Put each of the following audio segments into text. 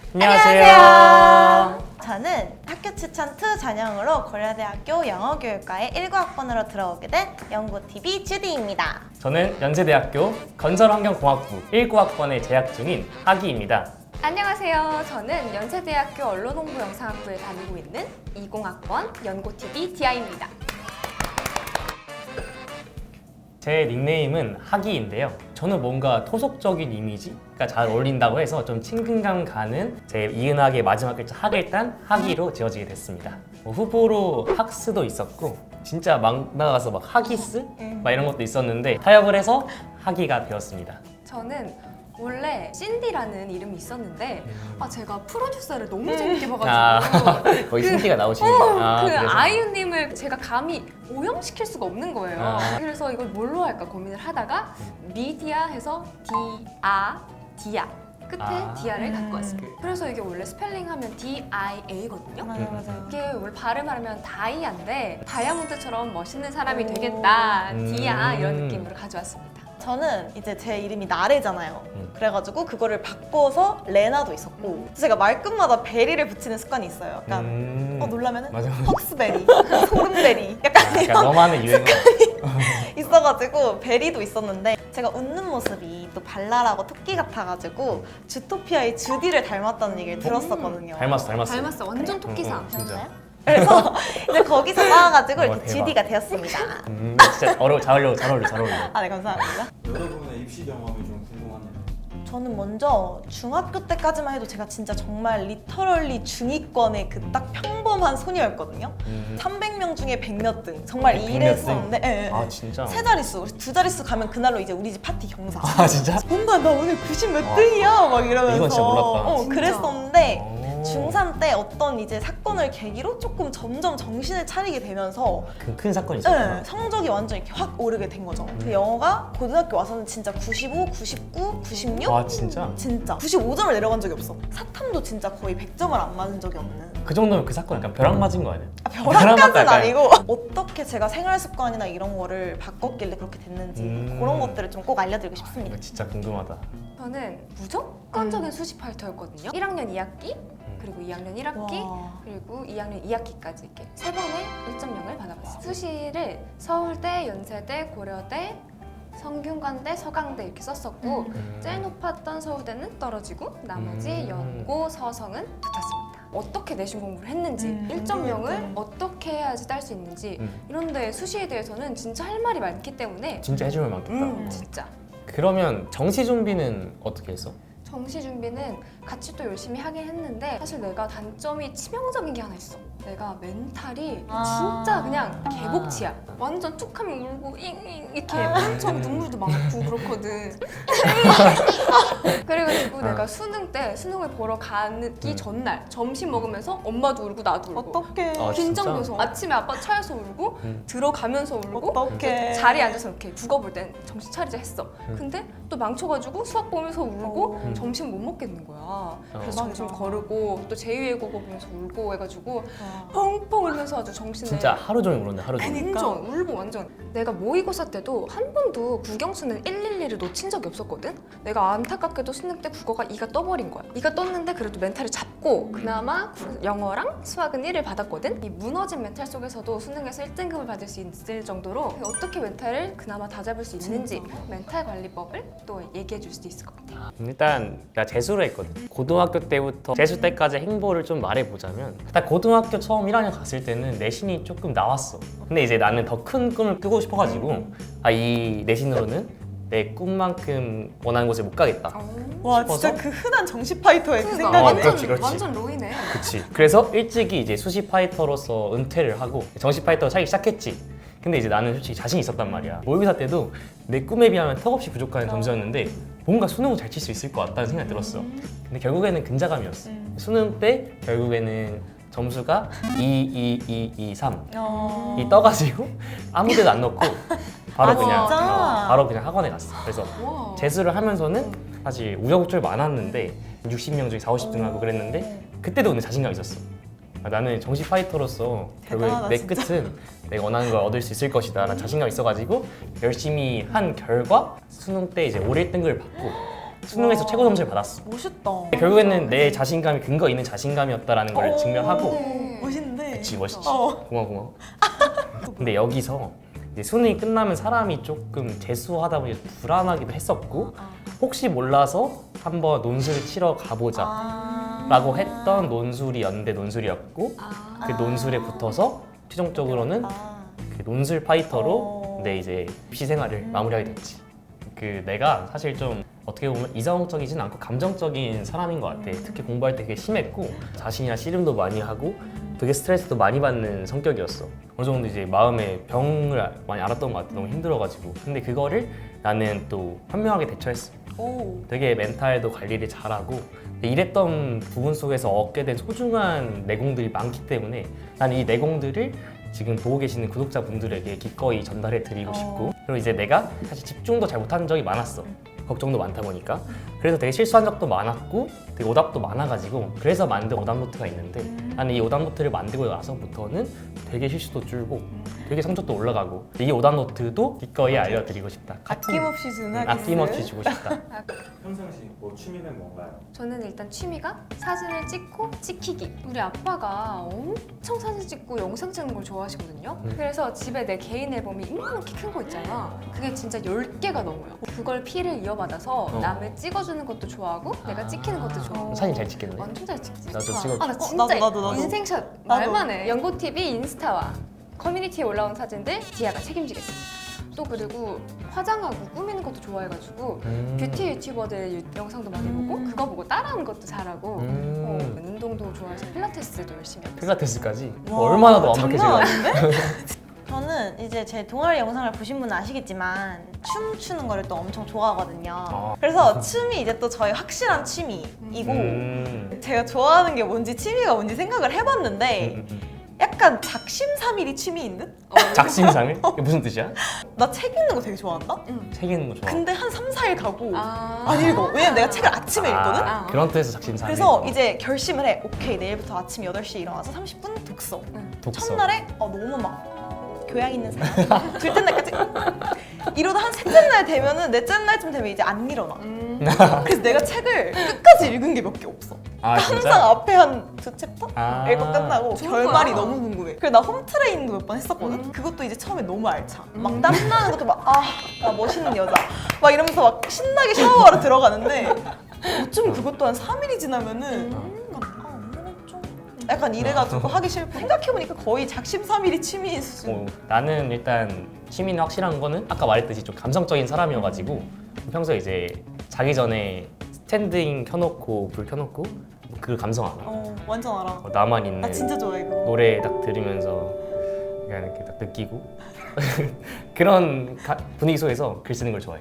안녕하세요. 저는 학교 추천 2 전형으로 고려대학교 영어교육과에 19학번으로 들어오게 된 연구TV 주디입니다. 저는 연세대학교 건설환경공학부 19학번에 재학 중인 하기입니다. 안녕하세요. 저는 연세대학교 언론홍보영상학부에 다니고 있는 20학번 연고TV 디아입니다. 제 닉네임은 하기인데요. 저는 뭔가 토속적인 이미지가 잘 어울린다고 해서 좀 친근감 가는 제 이은학의 마지막 글자 학일단 하기로 지어지게 됐습니다. 후보로 학스도 있었고 진짜 막 나가서 막 하기스? 막 이런 것도 있었는데 타협을 해서 하기가 되었습니다. 저는 원래 신디라는 이름이 있었는데 제가 프로듀서를 너무 재밌게 봐가지고 거의 신기가 나오시는데 그 아이유님을 제가 감히 오형시킬 수가 없는 거예요. 그래서 이걸 뭘로 할까 고민을 하다가 미디아 해서 디아 끝에 디아를 갖고 왔어요. 그래서 이게 원래 스펠링하면 DIA거든요. 맞아요. 이게 원래 발음하면 다이아인데 다이아몬드처럼 멋있는 사람이 되겠다 디아 이런 느낌으로 가져왔습니다. 저는 이제 제 이름이 나래잖아요. 그래가지고 그거를 바꿔서 레나도 있었고 제가 말끝마다 베리를 붙이는 습관이 있어요. 약간 놀라면은 맞아. 헉스베리, 소름베리 약간 이런 너만의 유행어. 있어가지고 베리도 있었는데 제가 웃는 모습이 또 발랄하고 토끼 같아가지고 주토피아의 주디를 닮았다는 얘기를 들었었거든요. 닮았어. 완전 토끼상. 진짜. 그래서 이제 거기서 나와가지고 이렇게 대박. 주디가 되었습니다. 진짜 잘 어울려. 아, 네, 감사합니다. 여러분의 입시 경험이 좀 궁금하네요. 저는 먼저 중학교 때까지만 해도 제가 진짜 정말 리터럴리 중위권의 그 딱 평범한 소녀였거든요. 300명 중에 100몇 등 정말 100몇 등? 이랬었는데 예. 아 진짜? 세 자릿수, 두 자릿수 가면 그날로 이제 우리 집 파티 경사. 아 진짜? 뭔가 나 오늘 90 몇 등이야 막 이러면서 이건 진짜 몰랐다. 진짜. 그랬었는데 오. 중3 때 어떤 이제 사건을 계기로 조금 점점 정신을 차리게 되면서 큰 사건이 있었구나. 네, 성적이 완전 이렇게 확 오르게 된 거죠. 그 영어가 고등학교 와서는 진짜 95, 99, 96? 와 진짜? 진짜 95점을 내려간 적이 없어. 사탐도 진짜 거의 100점을 안 맞은 적이 없는. 그 정도면 그 사건 약간 벼락 맞은 거 아니야? 벼락까지는 아니고 어떻게 제가 생활 습관이나 이런 거를 바꿨길래 그렇게 됐는지 그런 것들을 좀 꼭 알려드리고 싶습니다. 이거 진짜 궁금하다. 저는 무조건적인 수시 파이터였거든요. 1학년 2학기 그리고 2학년 1학기 와. 그리고 2학년 2학기까지 이렇게 세 번의 1.0을 받아봤어요. 수시를 서울대, 연세대, 고려대, 성균관대, 서강대 이렇게 썼었고 제일 높았던 서울대는 떨어지고 나머지 연고, 서성은 붙었습니다. 어떻게 내신 공부를 했는지 1.0을 어떻게 해야지 딸 수 있는지 이런데 수시에 대해서는 진짜 할 말이 많기 때문에 진짜 해주면 많겠다. 진짜 그러면 정시 준비는 어떻게 했어? 정시 준비는 같이 또 열심히 하긴 했는데 사실 내가 단점이 치명적인 게 하나 있어. 내가 멘탈이 진짜 그냥 개복치야. 완전 툭하면 울고 잉잉 이렇게 엄청 눈물도 많고 그렇거든. 그래가지고 내가 수능 때 수능을 보러 가기 전날 점심 먹으면서 엄마도 울고 나도 울고 어떡해. 긴장돼서 아침에 아빠 차에서 울고 들어가면서 울고 어떡해. 자리에 앉아서 이렇게 국어 볼 땐 정신 차리자 했어. 근데 또 망쳐가지고 수학 보면서 울고 점심 못 먹겠는 거야. 그래서 점심 거르고 또 제2외국어 보면서 울고 해가지고 펑펑 울면서 아주 정신을 진짜 하루 종일 울었네 하루 종일. 완전 울고 완전. 내가 모의고사 때도 한 번도 국영수는 111을 놓친 적이 없었거든. 내가 안타깝게도 수능 때 국어가 2가 떠버린 거야. 2가 떴는데 그래도 멘탈을 잡고 그나마 영어랑 수학은 1을 받았거든. 이 무너진 멘탈 속에서도 수능에서 1등급을 받을 수 있을 정도로 어떻게 멘탈을 그나마 다잡을 수 있는지 멘탈 관리법을 또 얘기해 줄 수도 있을 것 같아. 일단 나 재수를 했거든. 고등학교 때부터 재수 때까지 행보를 좀 말해보자면 딱 고등학교 처음 1학년 갔을 때는 내신이 조금 나왔어. 근데 이제 나는 더 큰 꿈을 꾸고 싶어가지고 이 내신으로는 내 꿈만큼 원하는 곳에 못 가겠다. 와 진짜 싶어서? 그 흔한 정시 파이터의 그 그러니까 생각이네. 그렇지, 그렇지. 완전 로이네. 그치. 그래서 일찍이 이제 수시 파이터로서 은퇴를 하고 정시 파이터 차기 시작했지. 근데 이제 나는 솔직히 자신이 있었단 말이야. 모의고사 때도 내 꿈에 비하면 턱없이 부족한 점수였는데 뭔가 수능을 잘 칠 수 있을 것 같다는 생각이 들었어. 근데 결국에는 근자감이었어. 수능 때 결국에는 점수가 2, 3 이 떠가지고 아무 데도 안 넣고 바로 그냥 바로 그냥 학원에 갔어. 그래서 와. 재수를 하면서는 사실 우여곡절 많았는데 60명 중에 40, 50등 하고 그랬는데 그때도 근데 자신감 있었어. 나는 정시 파이터로서 결국 대단하다, 내 진짜. 끝은 내가 원하는 걸 얻을 수 있을 것이다 라는 자신감 있어가지고 열심히 한 결과 수능 때 이제 올 1등급을 받고 수능에서 와. 최고 점수를 받았어. 멋있다. 결국에는 내 자신감이 근거 있는 자신감이었다라는 걸 증명하고. 네. 멋있는데. 그치, 멋있지. 어. 고마워. 근데 여기서 이제 수능이 끝나면 사람이 조금 재수하다 보니 불안하기도 했었고 혹시 몰라서 한번 논술을 치러 가보자 라고 했던 논술이 연대 논술이었고 아. 그 논술에 붙어서 최종적으로는 그 논술 파이터로 내 이제 입시 생활을 마무리하게 됐지. 그 내가 사실 좀 어떻게 보면 이성적이진 않고 감정적인 사람인 것 같아. 특히 공부할 때 되게 심했고 자신이나 씨름도 많이 하고 되게 스트레스도 많이 받는 성격이었어. 어느 정도 이제 마음에 병을 많이 앓았던 것 같아. 너무 힘들어가지고. 근데 그거를 나는 또 현명하게 대처했어. 오. 되게 멘탈도 관리를 잘하고 이랬던 부분 속에서 얻게 된 소중한 내공들이 많기 때문에 나는 이 내공들을 지금 보고 계시는 구독자분들에게 기꺼이 전달해 드리고 싶고 그리고 이제 내가 사실 집중도 잘 못한 적이 많았어. 걱정도 많다 보니까 그래서 되게 실수한 적도 많았고 되게 오답도 많아가지고 그래서 만든 오답노트가 있는데 나는 이 오답노트를 만들고 나서부터는 되게 실수도 줄고 되게 성적도 올라가고 이 오답노트도 기꺼이 알려드리고 싶다. 아낌없이 주는 하기스. 아낌없이 주고 싶다. 평상시 뭐 취미는 뭔가요? 저는 일단 취미가 사진을 찍고 찍히기. 우리 아빠가 엄청 사진 찍고 영상 찍는 걸 좋아하시거든요. 그래서 집에 내 개인 앨범이 이만하게 큰 거 있잖아. 그게 진짜 10개가 넘어요. 그걸 피를 이어받아서 남을 찍어주는 것도 좋아하고 내가 찍히는 것도 좋아하고. 사진 잘 찍겠네. 완전 잘 찍지. 나도 좋아. 찍어줘. 아, 나 진짜 나도. 인생샷 말만 해. 연고TV 인스타와 커뮤니티에 올라온 사진들 디아가 책임지겠습니다. 또 그리고 화장하고 꾸미는 것도 좋아해가지고 뷰티 유튜버들 영상도 많이 보고 그거 보고 따라하는 것도 잘하고 운동도 좋아해서 필라테스도 열심히 하고 있어요. 필라테스까지? 와, 얼마나 더 장난 완벽해지는 아닌데? 저는 이제 제 동아리 영상을 보신 분은 아시겠지만 춤 추는 거를 또 엄청 좋아하거든요. 그래서 춤이 이제 또 저의 확실한 취미이고 제가 좋아하는 게 뭔지 취미가 뭔지 생각을 해봤는데 약간 작심삼일이 취미인 듯? 작심상을? 이게 무슨 뜻이야? 나 책 읽는 거 되게 좋아한다? 책 읽는 거 좋아. 근데 한 3, 4일 가고 아. 안 읽어. 왜냐면 내가 책을 아침에 읽거든? 아. 그런 뜻에서 작심상을. 그래서 이제 결심을 해. 오케이, 내일부터 아침 8시에 일어나서 30분 독서. 독서. 첫날에 너무 막 교양 있는 사람. 둘째 날까지 이러다 한 셋째 날 되면은 넷째 날쯤 되면 이제 안 일어나. 그래서 내가 책을 끝까지 읽은 게 몇 개 없어. 아 항상 진짜? 앞에 한 2챕터? 아. 읽고 끝나고 좋은 결말이 거야. 너무 궁금해. 그래서 나 홈트레이닝도 몇 번 했었거든? 그것도 이제 처음에 너무 알차. 막 땀나는 것도 막 나 멋있는 여자. 막 이러면서 막 신나게 샤워하러 들어가는데 어쩜 그것도 한 3일이 지나면은 오늘은 좀 약간 이래가지고 하기 싫고 생각해보니까 거의 작심삼일이 취미인 수준. 나는 일단 취미는 확실한 거는 아까 말했듯이 좀 감성적인 사람이어가지고 평소에 이제 자기 전에 스탠딩 켜놓고 불 켜놓고 그 감성 알아. 완전 알아. 나만 있는 나 진짜 좋아해 그거. 노래 딱 들으면서 그냥 이렇게 딱 느끼고 그런 분위기 속에서 글 쓰는 걸 좋아해.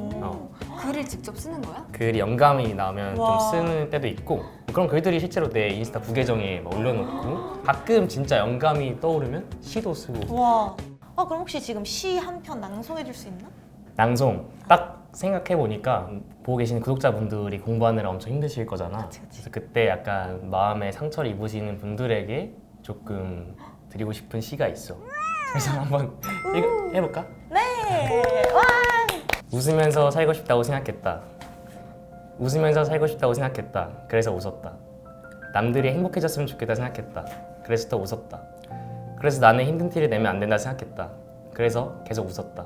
글을 직접 쓰는 거야? 글이 영감이 나오면 와. 좀 쓰는 때도 있고 그런 글들이 실제로 내 인스타 부계정에 막 올려놓고 가끔 진짜 영감이 떠오르면 시도 쓰고. 와. 그럼 혹시 지금 시 한 편 낭송해줄 수 있나? 낭송 딱 생각해보니까 보고 계시는 구독자분들이 공부하느라 엄청 힘드실 거잖아. 그래서 그때 약간 마음에 상처를 입으시는 분들에게 조금 드리고 싶은 시가 있어. 그래서 한번 해볼까? 네. 와. 웃으면서 살고 싶다고 생각했다. 웃으면서 살고 싶다고 생각했다. 그래서 웃었다. 남들이 행복해졌으면 좋겠다 생각했다. 그래서 더 웃었다. 그래서 나는 힘든 티를 내면 안 된다 생각했다. 그래서 계속 웃었다.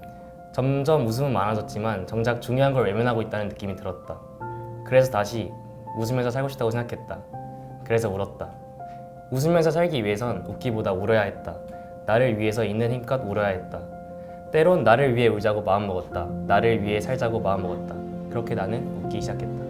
점점 웃음은 많아졌지만 정작 중요한 걸 외면하고 있다는 느낌이 들었다. 그래서 다시 웃으면서 살고 싶다고 생각했다. 그래서 울었다. 웃으면서 살기 위해선 웃기보다 울어야 했다. 나를 위해서 있는 힘껏 울어야 했다. 때론 나를 위해 울자고 마음먹었다. 나를 위해 살자고 마음먹었다. 그렇게 나는 웃기 시작했다.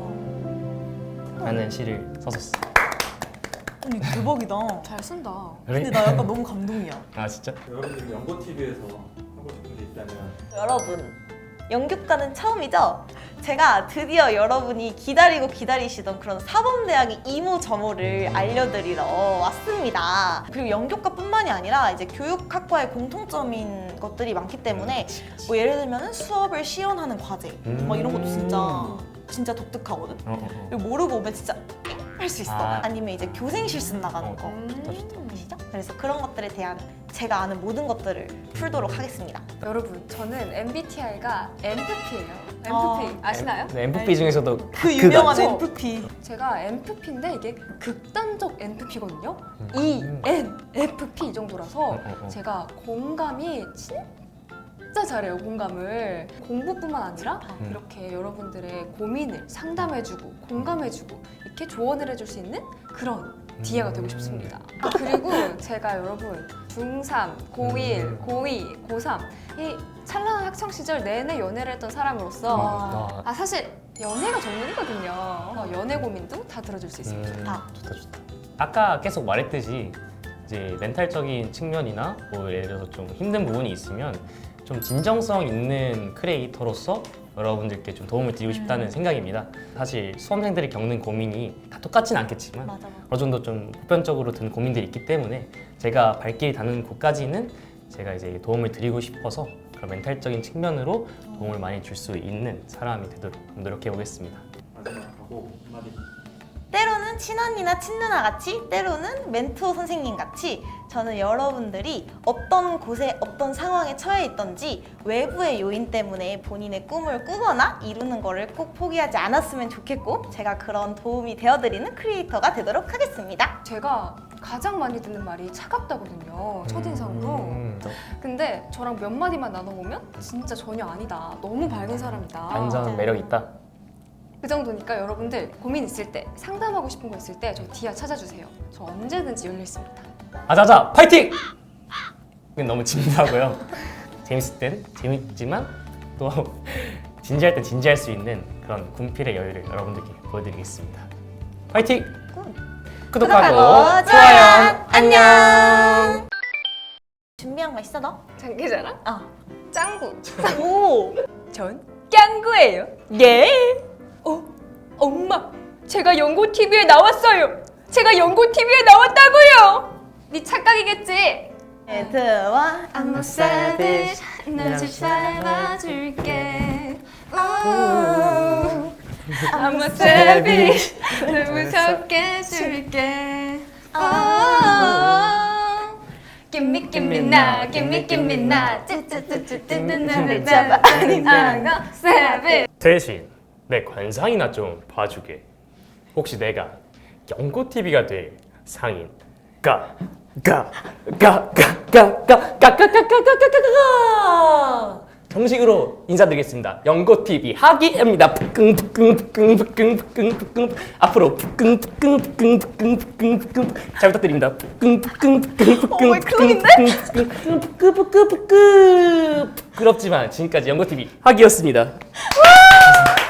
하는 시를 썼었어. 언니 대박이다. 잘 쓴다. 근데 나 약간 너무 감동이야. 아 진짜? 여러분들 연고TV에서 하고 싶은 게 있다면 여러분, 연극과는 처음이죠? 제가 드디어 여러분이 기다리고 기다리시던 그런 사범대학의 이모저모를 알려드리러 왔습니다. 그리고 연극과뿐만이 아니라 이제 교육학과의 공통점인 것들이 많기 때문에 뭐 예를 들면 수업을 시연하는 과제 막 이런 것도 진짜 독특하거든? 그리고 모르고 오면 진짜 할 수 있어. 아. 아니면 이제 교생 실습 나가는 거. 좋다 좋다. 아시죠? 그래서 그런 것들에 대한 제가 아는 모든 것들을 풀도록 하겠습니다. 여러분, 저는 MBTI가 MFP예요. 아. MFP 아시나요? 네, MFP 중에서도 그 유명한 그거. NFP. 제가 MFP인데 이게 극단적 NFP거든요. 음. ENFP 이 정도라서 어. 제가 공감이 진짜 잘해요. 공감을 공부뿐만 아니라 음. 이렇게 여러분들의 고민을 상담해주고 공감해주고 이렇게 조언을 해줄 수 있는 그런 디아가 되고 싶습니다. 아, 그리고 제가 여러분 중3, 고1, 고2, 고3 이 찬란한 학창 시절 내내 연애를 했던 사람으로서 아, 사실 연애가 전문이거든요. 연애 고민도 다 들어줄 수 있습니다. 좋다. 좋다. 아까 계속 말했듯이 이제 멘탈적인 측면이나 뭐 예를 들어서 좀 힘든 부분이 있으면 좀 진정성 있는 크리에이터로서 여러분들께 좀 도움을 드리고 싶다는 생각입니다. 사실 수험생들이 겪는 고민이 다 똑같진 않겠지만 맞아. 어느 정도 좀 보편적으로 든 고민들이 있기 때문에 제가 발길이 닿는 곳까지는 제가 이제 도움을 드리고 싶어서 그런 멘탈적인 측면으로 도움을 많이 줄 수 있는 사람이 되도록 노력해 보겠습니다. 마지막하고 한마디. 때로는 친언니나 친누나 같이, 때로는 멘토 선생님 같이 저는 여러분들이 어떤 곳에 어떤 상황에 처해 있던지 외부의 요인 때문에 본인의 꿈을 꾸거나 이루는 거를 꼭 포기하지 않았으면 좋겠고 제가 그런 도움이 되어드리는 크리에이터가 되도록 하겠습니다. 제가 가장 많이 듣는 말이 차갑다거든요. 첫인상으로. 근데 저랑 몇 마디만 나눠보면 진짜 전혀 아니다. 너무 밝은 사람이다. 완전 매력 있다. 그 정도니까 여러분들 고민 있을 때 상담하고 싶은 거 있을 때 저 디아 찾아주세요. 저 언제든지 열려 있습니다. 아자자 파이팅! 이건 너무 진지하고요. 재밌을 땐 재밌지만 또 진지할 땐 진지할 수 있는 그런 군필의 여유를 여러분들께 보여드리겠습니다. 파이팅! 구독하고 좋아요 안녕. 준비한 거 있어 너? 장기자랑? 어. 짱구. 오. 전 짱구예요. 예. 엄마, 제가 연고 TV에 나왔어요. 제가 연고 TV에 나왔다고요. 네 착각이겠지? 에드와 I'm a savage, 너를 닮아줄게. I'm a savage, 널 무섭게 해줄게. Give me now, give me now. 찌찌찌찌찌 잡아 아닌 I'm a savage. 대신 내 관상이나 좀 봐주게. 혹시 내가 연고 TV가 될 상인 정식으로 인사드리겠습니다. 연고 TV 하기입니다. 앞으로 잘 부탁드립니다. 부끄럽지만 지금까지 연고 TV 하기였습니다.